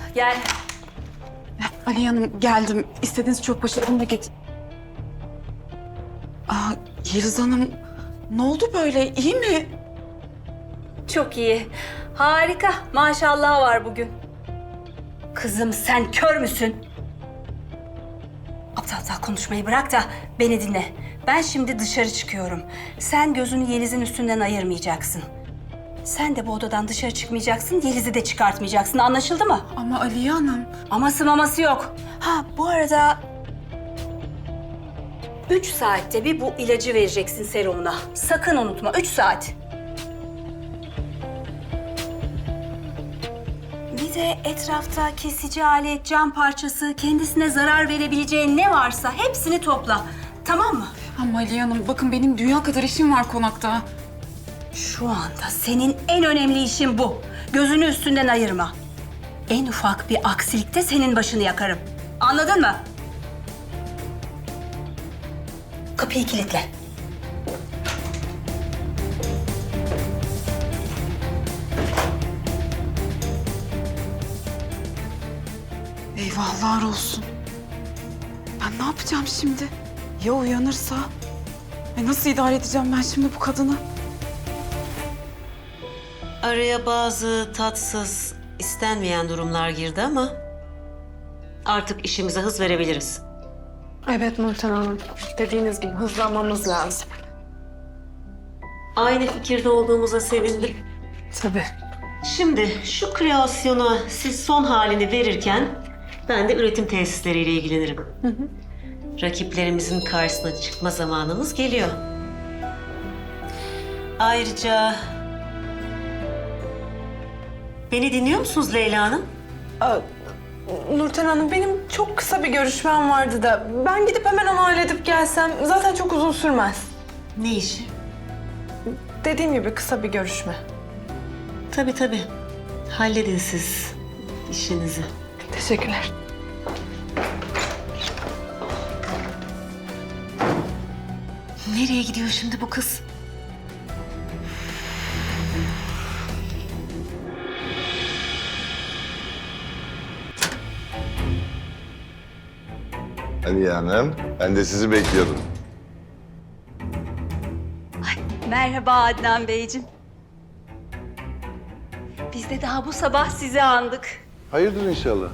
Gel. Aliye Hanım geldim. İstediğiniz çok başarımla git. Yeliz Hanım ne oldu böyle? İyi mi? Çok iyi. Harika. Maşallah var bugün. Kızım sen kör müsün? Aptal aptal konuşmayı bırak da beni dinle. Ben şimdi dışarı çıkıyorum. Sen gözünü Yeliz'in üstünden ayırmayacaksın. Sen de bu odadan dışarı çıkmayacaksın, Yeliz'i de çıkartmayacaksın. Anlaşıldı mı? Ama Aliye Hanım. Aması maması yok. Ha bu arada 3 saatte bir bu ilacı vereceksin serumuna. Sakın unutma 3 saat. Bir de etrafta kesici alet, cam parçası, kendisine zarar verebileceğin ne varsa hepsini topla. Tamam mı? Ama Aliye Hanım bakın benim dünya kadar işim var konakta. Şu anda senin en önemli işin bu. Gözünü üstünden ayırma. En ufak bir aksilikte senin başını yakarım. Anladın mı? Kapıyı kilitle. Eyvahlar olsun. Ben ne yapacağım şimdi? Ya uyanırsa? Nasıl idare edeceğim ben şimdi bu kadını? Araya bazı tatsız, istenmeyen durumlar girdi ama artık işimize hız verebiliriz. Evet Nurten Hanım. Dediğiniz gibi hızlanmamız lazım. Aynı fikirde olduğumuza sevindim. Tabii. Şimdi şu kreasyona siz son halini verirken ben de üretim tesisleriyle ilgilenirim. Rakiplerimizin karşısına çıkma zamanımız geliyor. Ayrıca beni dinliyor musunuz Leyla Hanım? Nurten Hanım benim çok kısa bir görüşmem vardı da ben gidip hemen onu halledip gelsem zaten çok uzun sürmez. Ne işi? Dediğim gibi kısa bir görüşme. Tabii tabii. Halledin siz işinizi. Teşekkürler. Nereye gidiyor şimdi bu kız? Aliye Hanım, ben de sizi bekliyordum. Merhaba Adnan Beyciğim. Biz de daha bu sabah sizi andık. Hayırdır inşallah.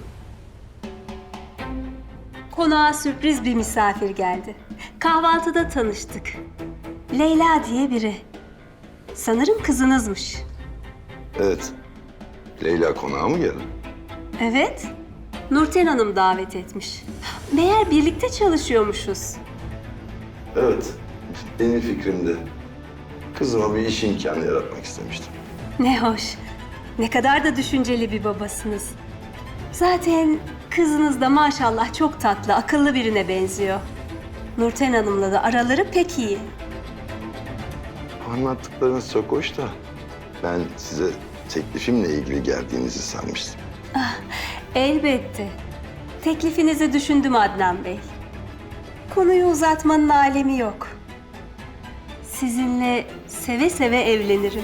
Konağa sürpriz bir misafir geldi. Kahvaltıda tanıştık. Leyla diye biri. Sanırım kızınızmış. Evet. Leyla konağa mı geldi? Evet. Nurten Hanım davet etmiş. Meğer birlikte çalışıyormuşuz. Evet. Benim fikrimde. Kızıma bir iş imkanı yaratmak istemiştim. Ne hoş. Ne kadar da düşünceli bir babasınız. Zaten kızınız da maşallah çok tatlı, akıllı birine benziyor. Nurten Hanım'la da araları pek iyi. Anlattıklarınız çok hoş da ben size teklifimle ilgili geldiğinizi sanmıştım. Elbette. Teklifinizi düşündüm Adnan Bey. Konuyu uzatmanın alemi yok. Sizinle seve seve evlenirim.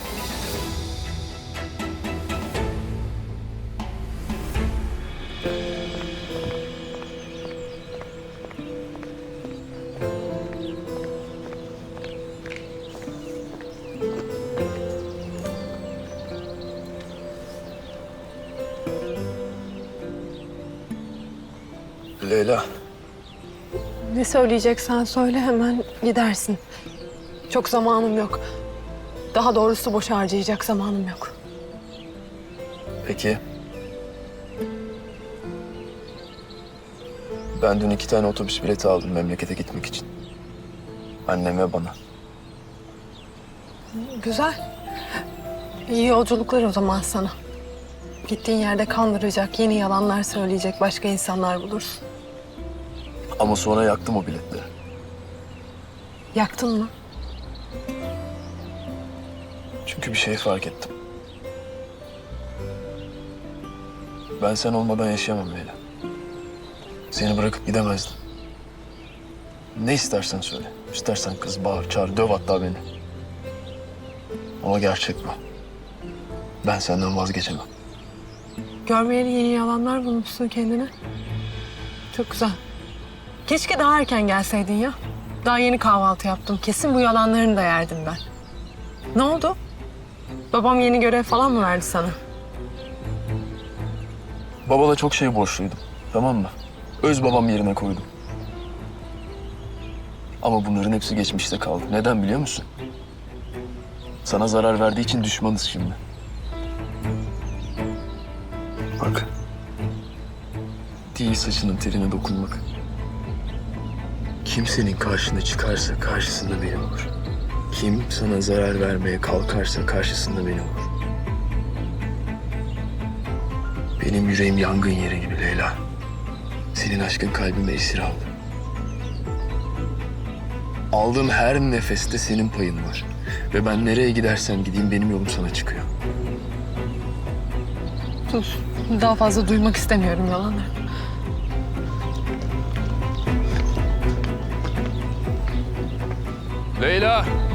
Leyla. Ne söyleyeceksen söyle hemen gidersin. Çok zamanım yok. Daha doğrusu boş harcayacak zamanım yok. Peki. Ben dün 2 tane otobüs bileti aldım memlekete gitmek için. Anneme bana. Güzel. İyi yolculuklar o zaman sana. Gittiğin yerde kandıracak, yeni yalanlar söyleyecek başka insanlar bulursun. Ama sonra yaktım o biletleri. Yaktın mı? Çünkü bir şey fark ettim. Ben sen olmadan yaşayamam Leyla. Seni bırakıp gidemezdim. Ne istersen söyle. İstersen kız, bağır, çağır, döv hatta beni. Ama gerçek bu. Ben senden vazgeçemem. Görmeyeli yeni yalanlar bulmuşsun kendine. Çok güzel. Keşke daha erken gelseydin ya. Daha yeni kahvaltı yaptım. Kesin bu yalanlarını da yerdim ben. Ne oldu? Babam yeni görev falan mı verdi sana? Babana çok şey borçluydum. Tamam mı? Öz babam yerine koydum. Ama bunların hepsi geçmişte kaldı. Neden biliyor musun? Sana zarar verdiği için düşmanız şimdi. Bak. Değil saçının teline dokunmak. Kim senin karşına çıkarsa karşısında benim olur. Kim sana zarar vermeye kalkarsa karşısında benim olur. Benim yüreğim yangın yeri gibi Leyla. Senin aşkın kalbime esir aldı. Aldığım her nefeste senin payın var. Ve ben nereye gidersem gideyim benim yolum sana çıkıyor. Sus. Daha fazla duymak istemiyorum yalanları. Leyla!